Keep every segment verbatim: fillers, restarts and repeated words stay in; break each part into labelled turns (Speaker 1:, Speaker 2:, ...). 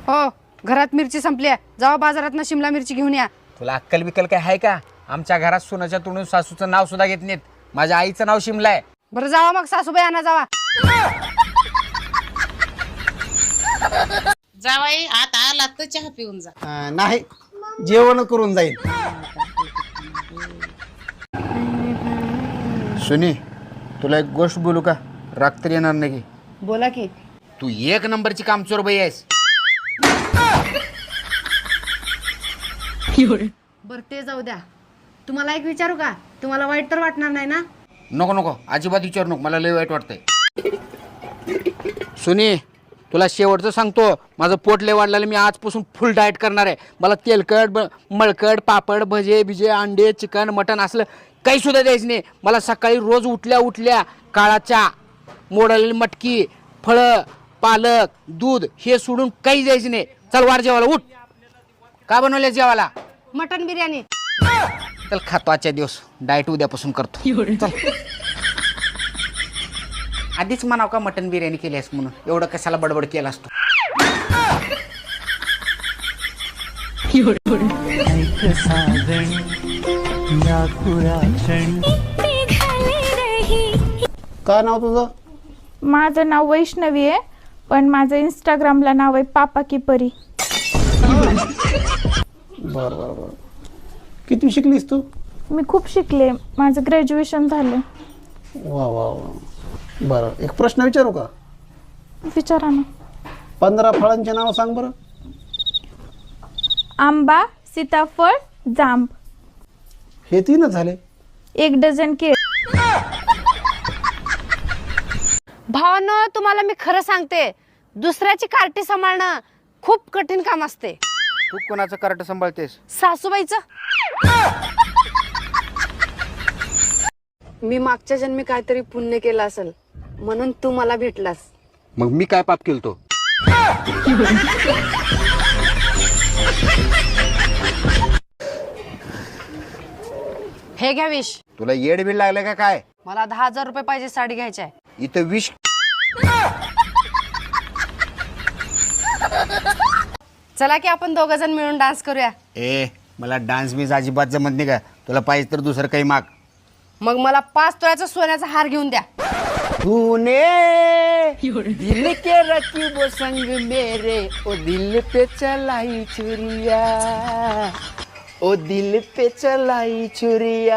Speaker 1: हो, घरात मिरची संपली आहे, जावा बाजारात शिमला मिरची घेऊन या.
Speaker 2: तुला अक्कल बिक्कल काय आहे का? आमच्या घरात सोनाच्या तोंडून सासूचं नाव सुद्धा घेत नाहीत. माझ्या आईचं नाव शिमला आहे.
Speaker 1: बरं जावा मग, सासूबाई आणा जावा.
Speaker 3: जावाई आता आला तर चहा पिऊन जा.
Speaker 4: अं, नाही जेवण करून जाईल.
Speaker 2: सुनी, तुला एक गोष्ट बोलू का? राग तरी येणार नाही की?
Speaker 1: बोला की.
Speaker 2: तू एक नंबरची कामचोर बाई आहेस.
Speaker 1: बरं ते जाऊ द्या, तुम्हाला एक विचारू का? तुम्हाला वाईट तर वाटणार नाही ना?
Speaker 2: नको नको, अजिबात विचारू नको, मला लय वाईट वाटतंय. सुनी, तुला शेवटचं सांगतो, माझं पोट लय वाढलेलं. मी आजपासून फुल डाएट करणार आहे. मला तेलकट ब मळकट पापड भजे बिजे अंडे चिकन मटन असलं काही सुद्धा द्यायचं नाही. मला सकाळी रोज उठल्या उठल्या काळा चहा, मोडलेली मटकी, फळं, पालक, दूध हे सोडून काही द्यायचं नाही. चल वार जेवायला उठ. का बनवल्या जेवायला?
Speaker 1: मटन बिर्याणी.
Speaker 2: चल खातो आजच्या दिवस, डाएट उद्यापासून करतो. चल. आधीच म्हणाव का मटन बिर्याणी केली आहेस म्हणून, एवढं कशाला बडबड केला असतो.
Speaker 4: काय नाव तुझं?
Speaker 5: माझं नाव वैष्णवी आहे, पण माझं इंस्टाग्रामला नाव आहे पापा की परी.
Speaker 4: बरं बरं बरं. किती शिकलीस तू?
Speaker 5: मी खूप शिकले, माझं ग्रॅज्युएशन झालं.
Speaker 4: वा वा वा. बरं, एक प्रश्न विचारू का?
Speaker 5: विचारा ना.
Speaker 4: पंधरा फळांचे नाव सांग बरं.
Speaker 5: आंबा, सीताफळ, जांब.
Speaker 4: हे तीनच झाले.
Speaker 5: एक डझन केळ.
Speaker 1: भावांनो, तुम्हाला मी खरं सांगते, दुसऱ्याची कार्टी सांभाळणं खूप कठीण काम असते.
Speaker 2: तू कोणाचं कार्ट सांभाळतेस?
Speaker 1: सासूबाईचं. मी मागच्या जन्मी काहीतरी पुण्य केलं असेल म्हणून तू मला भेटलास.
Speaker 2: मग मी काय पाप केलतो?
Speaker 1: हे घ्या विष.
Speaker 2: तुला येड बिल लागलं का काय?
Speaker 1: मला दहा हजार रुपये पाहिजे, साडी घ्यायची आहे.
Speaker 2: इथं विष.
Speaker 1: चला की आपण दोघ जण मिळून डान्स करूया.
Speaker 2: ए, मला डान्स बीज अजिबात जमत नाही का? तुला पाहिजे तर दुसरं काही माग.
Speaker 1: मग मला पाच तोळ्याचा सोन्याचा हार घेऊन द्या.
Speaker 2: तूने दिल के रखी वो संग मेरे, ओ दिल पे चलाई चुरिया, ओ दिल पे चलाई चुरिया.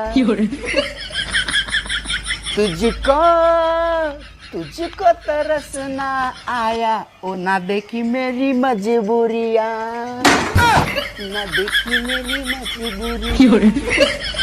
Speaker 2: तुझको तुझको तरसना आया, ओ ना देखी मेरी मजबूरिया, ना देखी मेरी मजबूरी.